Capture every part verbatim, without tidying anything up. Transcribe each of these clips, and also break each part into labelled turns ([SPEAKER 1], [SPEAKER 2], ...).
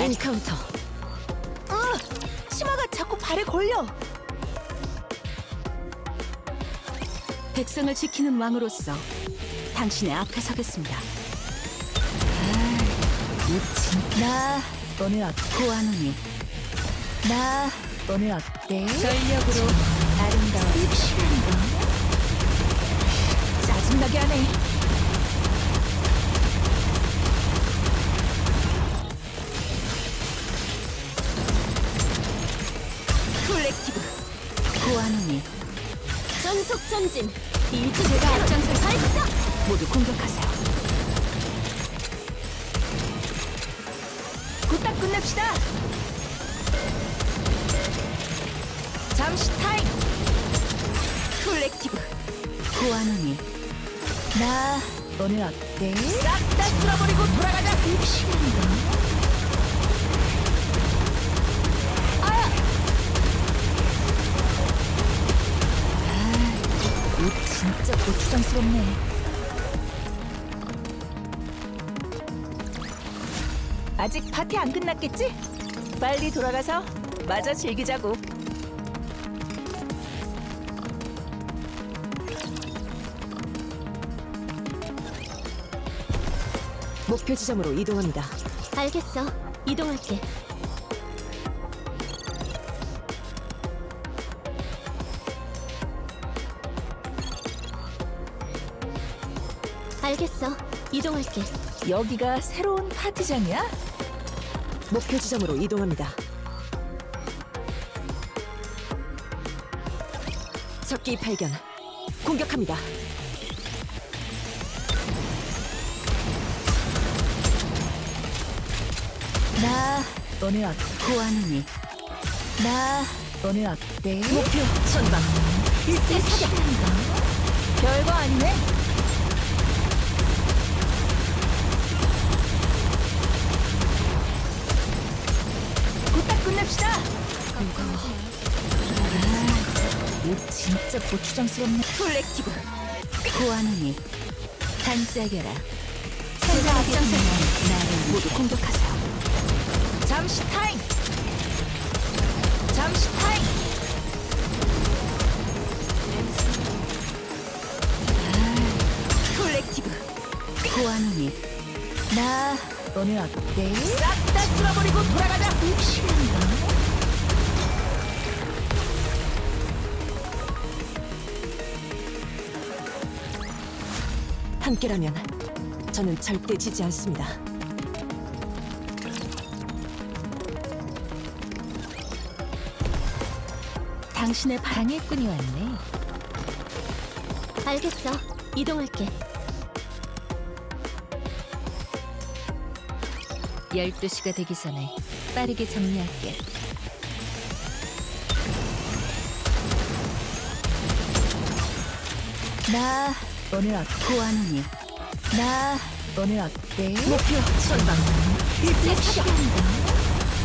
[SPEAKER 1] 인카운터.
[SPEAKER 2] 아! 치마가 자꾸 발에 걸려.
[SPEAKER 1] 백성을 지키는 왕으로서 당신의 앞에 서겠습니다.
[SPEAKER 2] 미친. 나 오늘 어때?
[SPEAKER 1] 고아노니
[SPEAKER 2] 나 오늘 어때?
[SPEAKER 1] 전력으로
[SPEAKER 2] 아름다워. 섹시한가? 짜증나게 하네.
[SPEAKER 1] 콜렉티브 고아노니
[SPEAKER 2] 전속 전진.
[SPEAKER 1] 일주 제가 앞장설 발사! 모두 공격하세요.
[SPEAKER 2] 곧딱 끝냅시다. 잠시 타임.
[SPEAKER 1] 콜렉티브 고아노니
[SPEAKER 2] 나 오늘 어때?
[SPEAKER 1] 싹 다 쓸어버리고 돌아가자.
[SPEAKER 2] 섹시한가? 옷 진짜 고추장스럽네. 아직 파티 안 끝났겠지? 빨리 돌아가서 마저 즐기자고.
[SPEAKER 1] 목표 지점으로 이동합니다.
[SPEAKER 2] 알겠어. 이동할게. 알겠어. 이동할게. 여기가 새로운 파티장이야?
[SPEAKER 1] 목표 지점으로 이동합니다. 적기 발견. 공격합니다.
[SPEAKER 2] 나 오늘 어때?
[SPEAKER 1] 고아노니
[SPEAKER 2] 나 오늘 어때?
[SPEAKER 1] 목표 전방.
[SPEAKER 2] 일제 사격한가? 별거 아니네. 곧딱 끝냅시다.
[SPEAKER 1] 무거워.
[SPEAKER 2] 옷 진짜 고추장스럽네.
[SPEAKER 1] 콜렉티브 고아노니
[SPEAKER 2] 반짝여라.
[SPEAKER 1] 제가 앞장설 나를 모두 공격하세요.
[SPEAKER 2] 잠시 타임. 잠시 타임.
[SPEAKER 1] 콜렉티브 고아노니
[SPEAKER 2] 나 오늘 어때?
[SPEAKER 1] 싹 다 쓸어버리고 돌아가자.
[SPEAKER 2] 섹시한가?
[SPEAKER 1] 함께라면 저는 절대 지지 않습니다.
[SPEAKER 2] 당신의 방해꾼이 왔네. 알겠어. 이동할게. 열두 시가 되기 전에 빠르게 정리할게. 나 오늘 어때?
[SPEAKER 1] 고아노니
[SPEAKER 2] 나 오늘 어때?
[SPEAKER 1] 목표 전방. 일제 사격.
[SPEAKER 2] 섹시한가?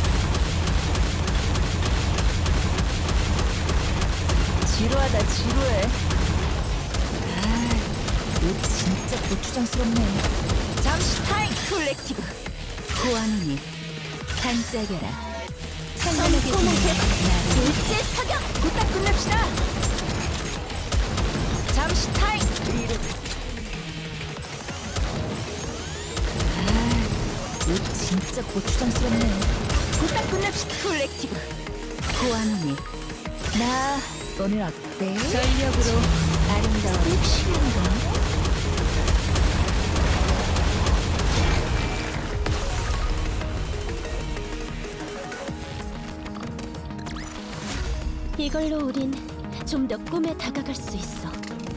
[SPEAKER 2] 지루하다 지루해. 아, 옷 진짜 고추장스럽네. 잠시 타임.
[SPEAKER 1] 콜렉티브 고아노니
[SPEAKER 2] 반짝여라.
[SPEAKER 1] 선하게
[SPEAKER 2] 나를
[SPEAKER 1] 일제 사격.
[SPEAKER 2] 곧딱 끝냅시다. 잠시 타임. 아, 옷 진짜 고추장스럽네. 곧딱 끝냅시다.
[SPEAKER 1] 콜렉티브 고아노니
[SPEAKER 2] 나 오늘 어때?
[SPEAKER 1] 전력으로
[SPEAKER 2] 아름다워. 섹시한가?
[SPEAKER 3] 이걸로 우린 좀 더 꿈에 다가갈 수 있어.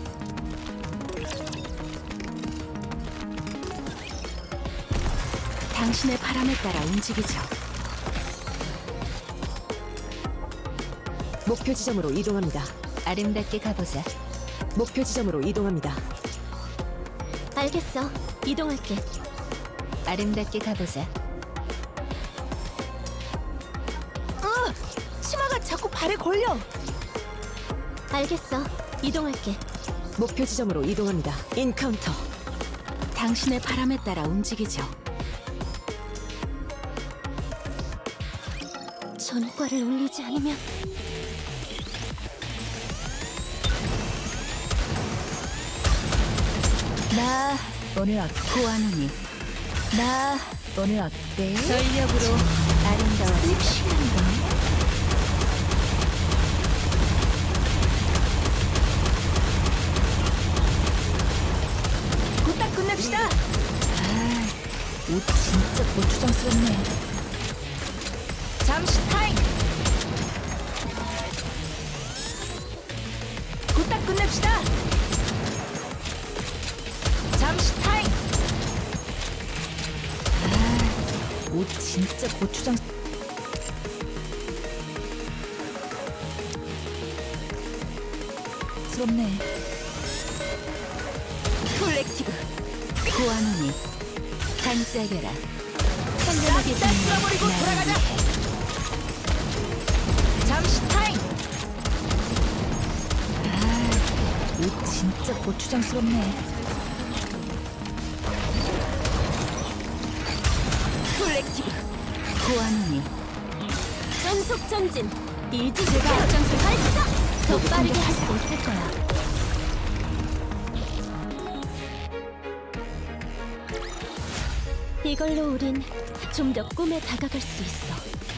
[SPEAKER 1] 당신의 바람에 따라 움직이죠. 목표 지점으로 이동합니다.
[SPEAKER 2] 아름답게 가보자.
[SPEAKER 1] 목표 지점으로 이동합니다.
[SPEAKER 3] 알겠어. 이동할게.
[SPEAKER 2] 아름답게 가보자.
[SPEAKER 3] 아!
[SPEAKER 2] 치마가 자꾸 발에 걸려.
[SPEAKER 3] 알겠어. 이동할게.
[SPEAKER 1] 목표 지점으로 이동합니다. 인카운터. 당신의 바람에 따라 움직이죠.
[SPEAKER 3] 전과를 올리지 않으면
[SPEAKER 2] 나 오늘 어때? 고아누니. 나 오늘 어때?
[SPEAKER 3] 전력으로
[SPEAKER 2] 아름다워지다. 곧다 끝냅시다. 아, 옷 진짜 고추장스럽네. 잠시 타임. 곧다 끝냅시다. 잠시 타임. 아, 옷 진짜 고추장. 스럽네. 콜렉티브 고아누니 반짝여라. 선명하게
[SPEAKER 1] 싹다 쓸어버리고
[SPEAKER 2] 빛나는
[SPEAKER 1] 돌아가자.
[SPEAKER 2] 나를 위해. 잠시 타임. 아, 옷 진짜 고추장스럽네. 콜렉티브 고아누니
[SPEAKER 3] 전속 전진. 일지
[SPEAKER 2] 제가
[SPEAKER 3] 앞장서 발사. 더
[SPEAKER 2] 모두
[SPEAKER 3] 빠르게 할 수
[SPEAKER 2] 공격하세요.
[SPEAKER 3] 있을 거야. 이걸로 우린 좀 더 꿈에 다가갈 수 있어.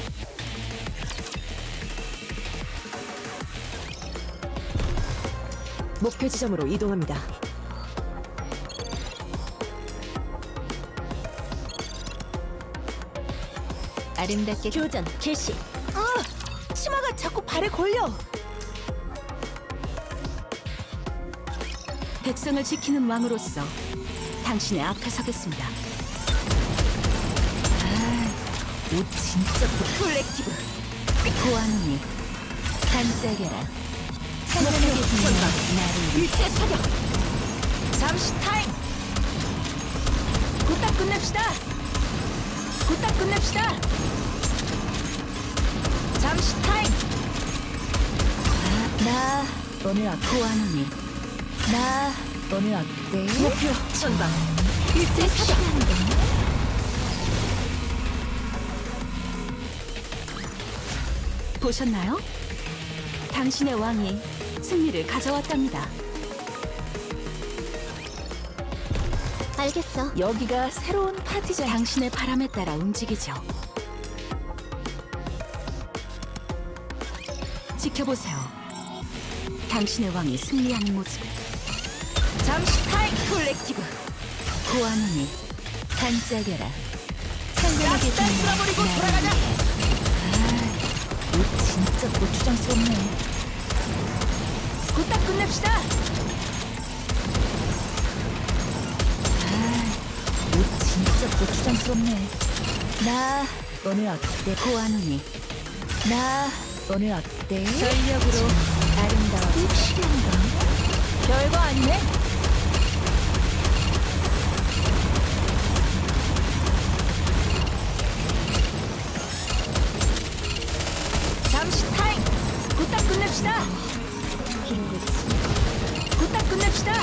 [SPEAKER 1] 목표 지점으로 이동합니다.
[SPEAKER 2] 아름답게.
[SPEAKER 3] 교전 개시.
[SPEAKER 2] 아, 치마가 자꾸 발에 걸려. 백성을 지키는 왕으로서 당신의 앞에 서겠습니다. 아, 옷 진짜 고... 콜렉티브 고아누니 반짝여라. 찬란하게 빛나는 나를 위해.
[SPEAKER 1] 일제 사격.
[SPEAKER 2] 잠시 타임. 곧다 끝냅시다. 곧다 끝냅시다. 잠시 타임. 아, 나 오늘 어때? 고아누니 나 오늘 어때? 목표 전방.
[SPEAKER 3] 일제 사격.
[SPEAKER 2] 보셨나요? 당신의 왕이 승리를 가져왔답니다.
[SPEAKER 3] 알겠어.
[SPEAKER 2] 여기가 새로운 파티장. 당신의 바람에 따라 움직이죠. 지켜보세요. 당신의 왕이 승리하는 모습을. 잠시 타임. 콜렉티브 고아누니 반짝여라. 선명하게
[SPEAKER 1] 싹다 쓸어버리고
[SPEAKER 2] 빛나는
[SPEAKER 1] 돌아가자.
[SPEAKER 2] 나를 위해. 아, 옷 진짜 고추장스럽네. 곧다 끝냅시다. 옷 진짜 고추장스럽네. 나 오늘 어때? 고아누니 나 오늘 어때? 전력으로 아름다워지다. 별거 아니네. 잠시 타임. 곧다 끝냅시다. 곧다 끝냅시다.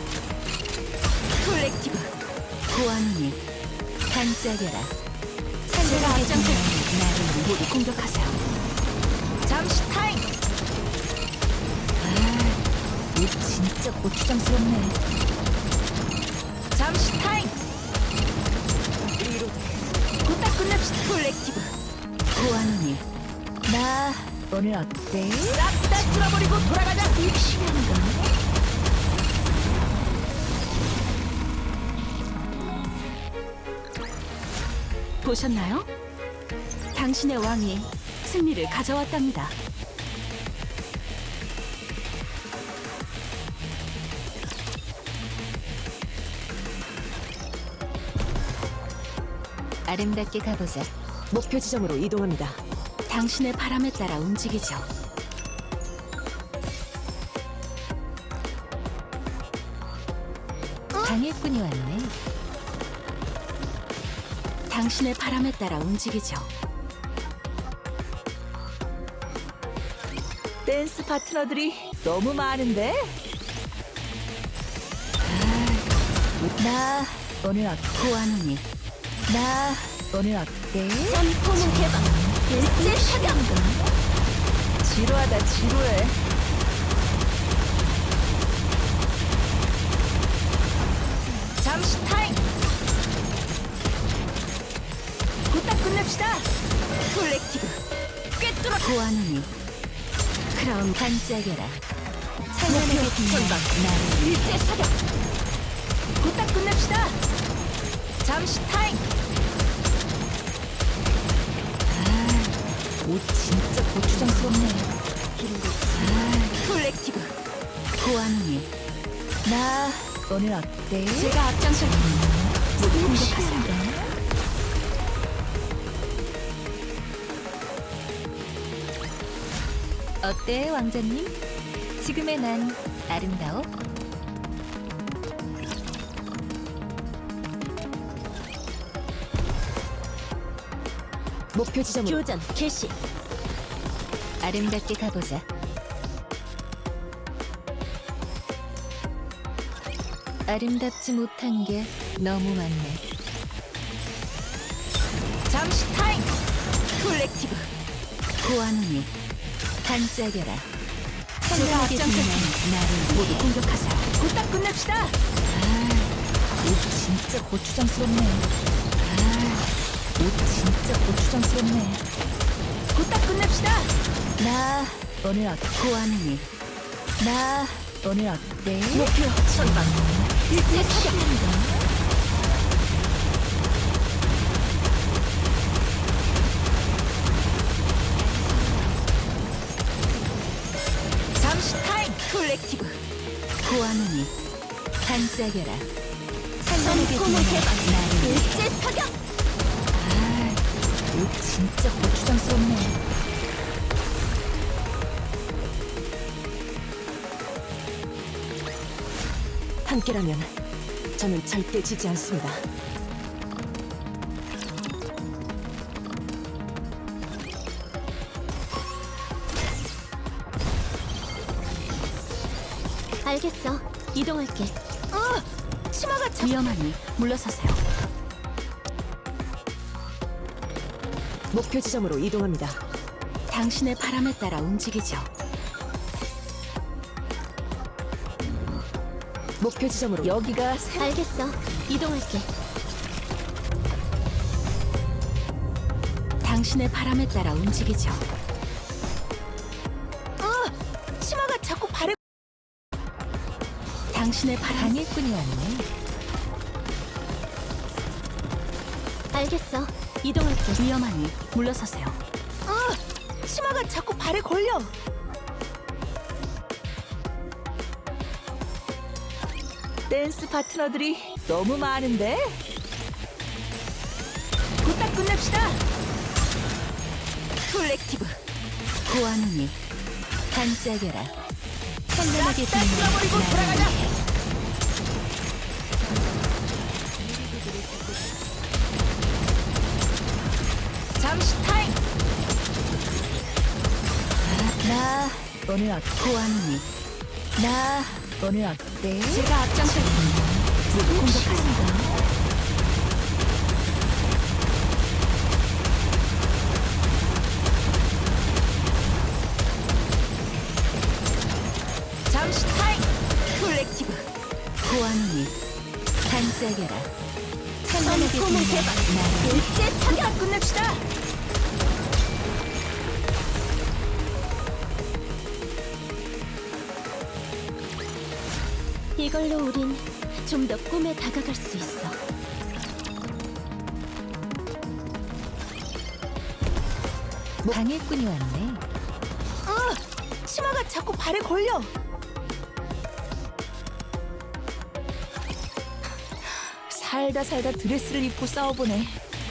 [SPEAKER 2] 콜렉티브 고아누니 반짝여라.
[SPEAKER 3] 제가 앞장서
[SPEAKER 2] 나를 모두 공격하세요. 잠시 타임. 아, 옷 진짜 고추장스럽네. 잠시 타임. 곧다 끝냅시다. 콜렉티브 고아누니 나 오늘 어때?
[SPEAKER 1] 싹 다 쓸어버리고 돌아가자.
[SPEAKER 2] 섹시한가? 보셨나요? 당신의 왕이 승리를 가져왔답니다. 아름답게 가보자.
[SPEAKER 1] 목표 지점으로 이동합니다.
[SPEAKER 2] 당신의 바람에 따라 움직이죠. 방해꾼이 왔네. 당신의 바람에 따라 움직이죠. 댄스 파트너들이 너무 많은데? 아, 나 오늘 어때? 고아누니 나 오늘 어때?
[SPEAKER 3] 전 포문 개방. 일제 사격.
[SPEAKER 2] 지루하다 지루해. 잠시 타임. 부탁 끝냅시다.
[SPEAKER 3] 콜렉티브
[SPEAKER 2] 꿰뚫어.
[SPEAKER 3] 고아노니 크라운 반짝여라.
[SPEAKER 2] 목표
[SPEAKER 3] 찬란하게 빛나는
[SPEAKER 2] 선방.
[SPEAKER 3] 나를
[SPEAKER 2] 일제 사격. 부탁 끝냅시다. 잠시 타임. 아, 옷 진짜 고추장스럽네.
[SPEAKER 3] 아, 콜렉티브 고아노니
[SPEAKER 2] 나 오늘 어때?
[SPEAKER 3] 제가 앞장설 테니 모두 공격하세요.
[SPEAKER 2] 공격하세요.
[SPEAKER 3] 어때 왕자님? 지금의 난 아름다워?
[SPEAKER 2] 목표 지점으로.
[SPEAKER 3] 교전 개시. 아름답게 가보자. 아름답지 못한 게 너무 많네.
[SPEAKER 2] 잠시 타임.
[SPEAKER 3] 콜렉티브 고아노니 반짝여라.
[SPEAKER 2] 제가
[SPEAKER 3] 찬란하게
[SPEAKER 2] 앞장설
[SPEAKER 3] 빛나는
[SPEAKER 2] 테니
[SPEAKER 3] 나를
[SPEAKER 2] 모두
[SPEAKER 3] 위해.
[SPEAKER 2] 공격하세요. 부탁 끝냅시다. 아, 옷 진짜 고추장스럽네. 아, 옷 진짜 고추장스럽네. 부탁 끝냅시다. 나 오늘 어때?
[SPEAKER 3] 고아노니
[SPEAKER 2] 나 오늘 어때?
[SPEAKER 3] 목표 선방. 일제 사격.
[SPEAKER 2] 잠시 타임.
[SPEAKER 3] 콜렉티브 고아노니 반짝여라. 찬란하게
[SPEAKER 2] 꿈을
[SPEAKER 3] 빛나는
[SPEAKER 2] 개방.
[SPEAKER 3] 나를 위해.
[SPEAKER 2] 일제 사격. 아, 옷 진짜 고추장스럽네.
[SPEAKER 1] 함께라면 저는 절대 지지 않습니다.
[SPEAKER 3] 알겠어. 이동할게.
[SPEAKER 2] 어, 치마가 참.
[SPEAKER 3] 위험하니 물러서세요.
[SPEAKER 1] 목표 지점으로 이동합니다.
[SPEAKER 3] 당신의 바람에 따라 움직이죠.
[SPEAKER 1] 목표 지점으로
[SPEAKER 2] 여기가 새.
[SPEAKER 3] 알겠어. 이동할게. 당신의 바람에 따라 움직이죠.
[SPEAKER 2] 어, 치마가 자꾸 발에.
[SPEAKER 3] 당신의 바람.
[SPEAKER 2] 방해꾼이 왔네.
[SPEAKER 3] 알겠어. 이동할게. 위험하니 물러서세요.
[SPEAKER 2] 어, 치마가 자꾸 발에 걸려. 댄스 파트너들이 너무 많은데? 부탁 끝냅시다.
[SPEAKER 3] 콜렉티브 고아노니 반짝여라. 찬란하게
[SPEAKER 2] 싹다
[SPEAKER 3] 빛나는
[SPEAKER 2] 쓸어버리고
[SPEAKER 3] 나를
[SPEAKER 2] 돌아가자.
[SPEAKER 3] 위해.
[SPEAKER 2] 잠시 타임. 나 오늘 어때?
[SPEAKER 3] 고아노니
[SPEAKER 2] 나 오늘 어때?
[SPEAKER 3] 제가 앞장설 테니 모두 공격하세요.
[SPEAKER 2] 잠시 타임.
[SPEAKER 3] 콜렉티브 고아노니 반짝여라. 찬란하게
[SPEAKER 2] 꿈을
[SPEAKER 3] 빛나는
[SPEAKER 2] 개방.
[SPEAKER 3] 나를 위해.
[SPEAKER 2] 일제 사격 끝냅시다.
[SPEAKER 3] 이걸로 우린 좀 더 꿈에 다가갈 수 있어.
[SPEAKER 2] 방해꾼이 왔네. 어, 치마가 자꾸 발에 걸려. 살다 살다 드레스를 입고 싸워보네.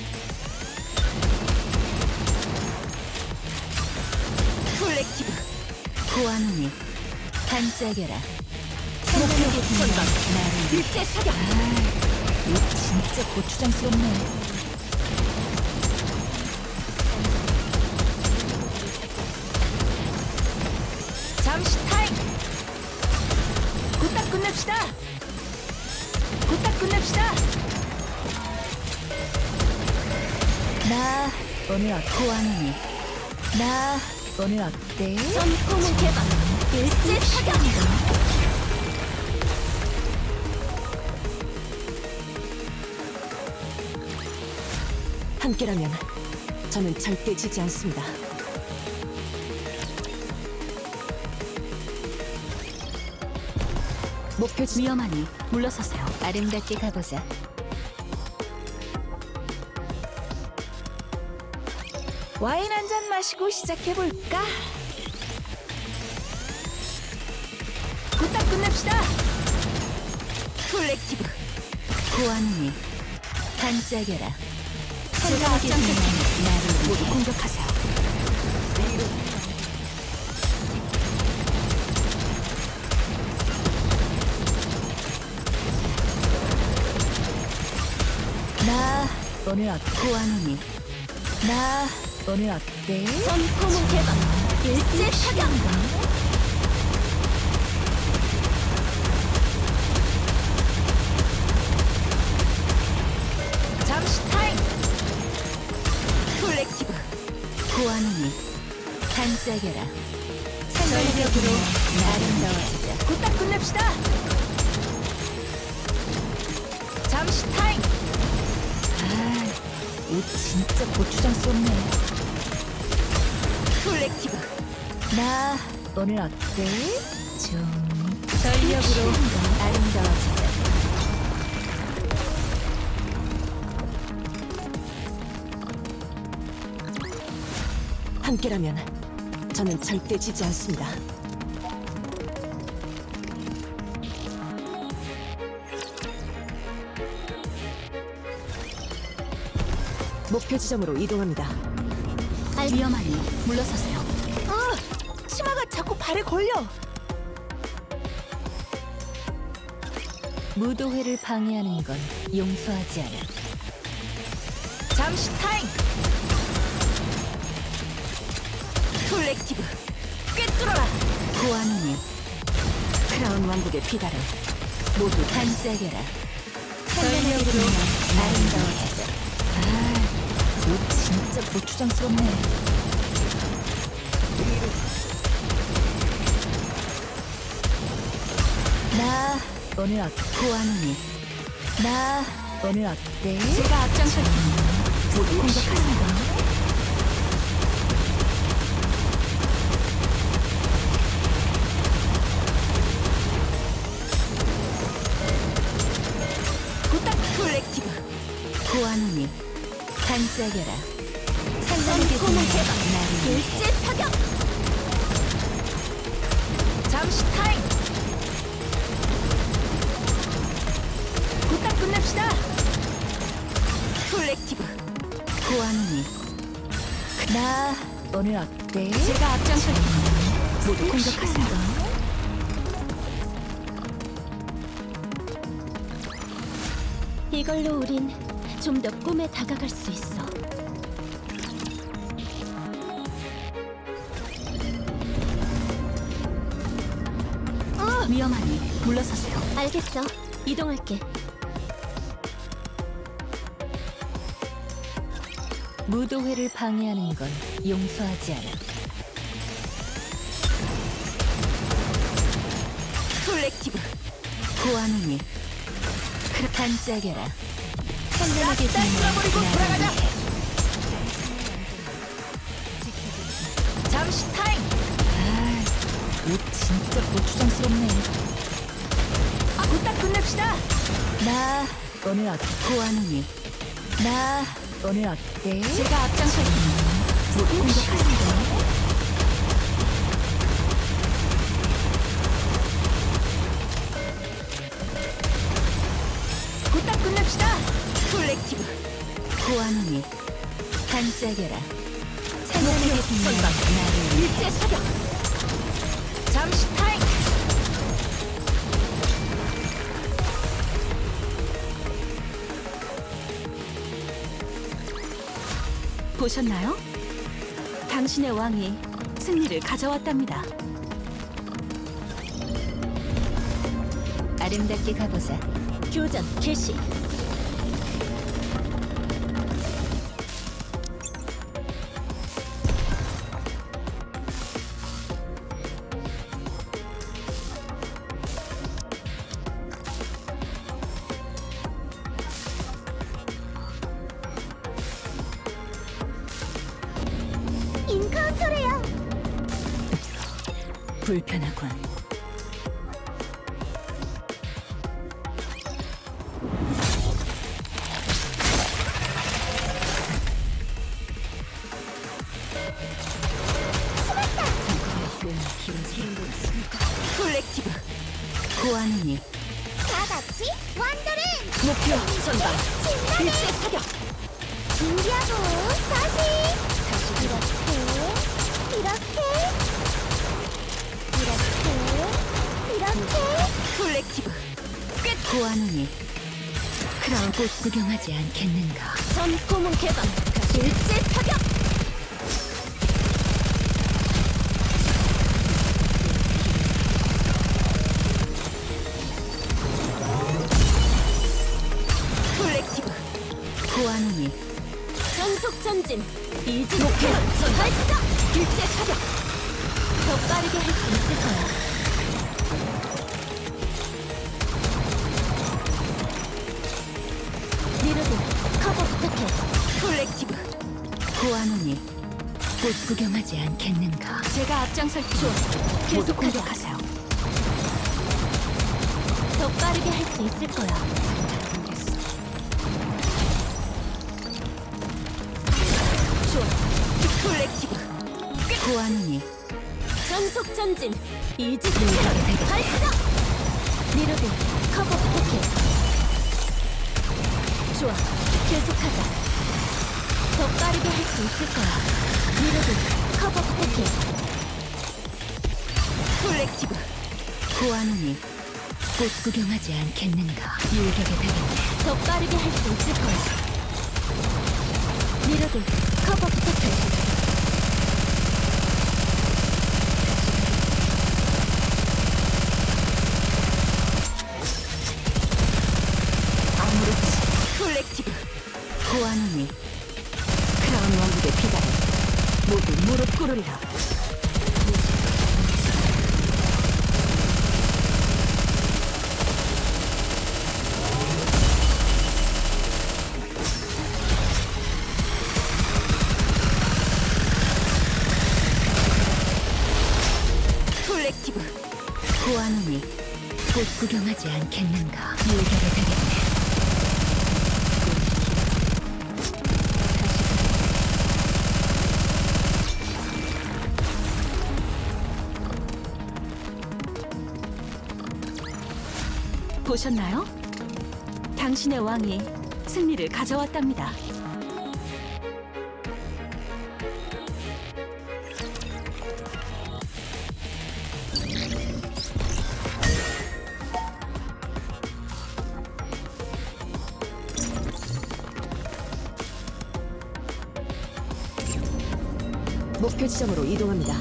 [SPEAKER 3] 콜렉티브 고아노니 반짝여라.
[SPEAKER 2] 목표
[SPEAKER 3] 찬란하게 빛나는
[SPEAKER 2] 선방.
[SPEAKER 3] 나를 위해.
[SPEAKER 2] 일제 사격. 아, 옷 진짜 고추장스럽네. 잠시 타임. 부탁 끝냅시다. 부탁 끝냅시다. 나 오늘 어때?
[SPEAKER 3] 고아노니
[SPEAKER 2] 나 오늘 어때?
[SPEAKER 3] 전포문 개방 일제 사격
[SPEAKER 1] 함께라면 저는 절대 지지 않습니다. 목표 지
[SPEAKER 3] 위험하니 물러서세요. 아름답게 가보자.
[SPEAKER 2] 와인 한 잔 마시고 시작해 볼까? 부탁 끝냅시다.
[SPEAKER 3] 콜렉티브 고아노니 반짝여라.
[SPEAKER 2] 제가
[SPEAKER 3] 앞장설 나를
[SPEAKER 2] 모두 공격하세요. 나 오늘 어때?
[SPEAKER 3] 고아노니
[SPEAKER 2] 나 오늘 어때?
[SPEAKER 3] 전포문 개방 일제 사격
[SPEAKER 2] 잠시 타임.
[SPEAKER 3] 콜렉티브 고아노니 반짝여라. 산전력으로 아름다워지자.
[SPEAKER 2] 부탁 끝냅시다. 잠시 타임. 아, 옷 진짜 고추장스럽네.
[SPEAKER 3] 콜렉티브
[SPEAKER 2] 나 오늘 어때? 좀
[SPEAKER 3] 전력으로 아름다워지자.
[SPEAKER 1] 함께라면 저는 절대 지지 않습니다. 목표 지점으로 이동합니다.
[SPEAKER 3] 위험하니 물러서세요.
[SPEAKER 2] 아, 치마가 자꾸 발에 걸려.
[SPEAKER 3] 무도회를 방해하는 건 용서하지 않아.
[SPEAKER 2] 잠시 타임.
[SPEAKER 3] 콜렉티브
[SPEAKER 2] 꿰뚫어라.
[SPEAKER 3] 고아노니
[SPEAKER 1] 크라운 왕국의 비달을
[SPEAKER 3] 모두 반짝여라. 전력으로 아름다워지자.
[SPEAKER 2] 옷 진짜 고추장스럽네. 나 오늘 어때?
[SPEAKER 3] 고아노니
[SPEAKER 2] 나 오늘 어때?
[SPEAKER 3] 제가 앞장설 테니 모두 공격하세요.
[SPEAKER 2] 부탁.
[SPEAKER 3] 콜렉티브 고아노니 반짝여라. 산전력의
[SPEAKER 2] 전포문
[SPEAKER 3] 개방 나를 일제 사격
[SPEAKER 2] 잠시 타임. 부탁 끝냅시다.
[SPEAKER 3] 콜렉티브 고아노니
[SPEAKER 2] 나 오늘 어때?
[SPEAKER 3] 제가 앞장설 테니 모두 공격하세요. 이걸로 우린 좀 더 꿈에 다가갈 수 있어. 어! 위험하니 물러서세요. 알겠어. 이동할게. 무도회를 방해하는 건 용서하지 않아. 콜렉티브 고아노니 그 반짝여라. 선명하게
[SPEAKER 2] 싹다 쓸어버리고 돌아가자. 잠시 타임. 아, 옷 진짜 고추장스럽네. 아, 부탁 끝냅시다. 나 오늘 어때?
[SPEAKER 3] 고아노니
[SPEAKER 2] 나 오늘 어때?
[SPEAKER 3] 제가 앞장설 테니 모두 공격하세요.
[SPEAKER 2] 부탁 끝냅시다.
[SPEAKER 3] 콜렉티브 고아노니 반짝여라. 산전력의
[SPEAKER 2] 목표
[SPEAKER 3] 빛나는
[SPEAKER 2] 선박.
[SPEAKER 3] 나를
[SPEAKER 2] 일제 사격. 잠시 타임.
[SPEAKER 3] 보셨나요? 당신의 왕이 승리를 가져왔답니다. 아름답게 가보자. 교전 개시. 소래요.
[SPEAKER 1] 불편하군. 콜렉티브 고아누니
[SPEAKER 3] 다 같이 완도를
[SPEAKER 1] 목표 전방
[SPEAKER 3] 신나게
[SPEAKER 1] 일제 사격.
[SPEAKER 3] 준비하고 다시 이렇게 이렇게 이렇게 이렇게
[SPEAKER 1] 콜렉티브 끝. 고아누니 크라운 꽃 구경하지 않겠는가.
[SPEAKER 3] 전 고문 개방
[SPEAKER 1] 일제 사격. 콜렉티브 고아누니
[SPEAKER 3] 전속 전진 이지
[SPEAKER 1] 목표
[SPEAKER 3] 목표
[SPEAKER 1] 전방
[SPEAKER 3] 발사
[SPEAKER 1] 일제 사격.
[SPEAKER 3] 더 빠르게 할 수 있을 거야. 리로드 커버 부탁해.
[SPEAKER 1] 콜렉티브 고아누니 꽃 구경하지 않겠는가. 제가 앞장설 테니 모두
[SPEAKER 3] 계속하자.
[SPEAKER 1] 공격하세요.
[SPEAKER 3] 더 빠르게 할 수 있을 거야.
[SPEAKER 1] 좋아. 콜렉티브 고아누니
[SPEAKER 3] 전속 전진 이지
[SPEAKER 1] 공격에 되겠네.
[SPEAKER 3] 발사 리로드 커버 부탁해. 좋아 계속하자. 더 빠르게 할 수 있을 거야. 리로드 커버 부탁해.
[SPEAKER 1] 콜렉티브 고아누니 꽃 구경하지 않겠는가. 일격에 되겠네.
[SPEAKER 3] 더 빠르게 할 수 있을 거야. 리로드 커버 부탁해.
[SPEAKER 1] 아무렇지. 콜렉티브 고아누니 크라운 왕국의 비단이 모두 무릎 꿇으리라. 콜렉티브 고아누니 꽃 구경하지 않겠는가. 일격에 되겠네. 보셨나요? 당신의 왕이 승리를 가져왔답니다. 목표 지점으로 이동합니다.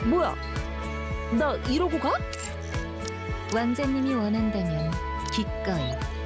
[SPEAKER 2] 뭐야? 나 이러고 가?
[SPEAKER 3] 왕자님이 원한다면 기꺼이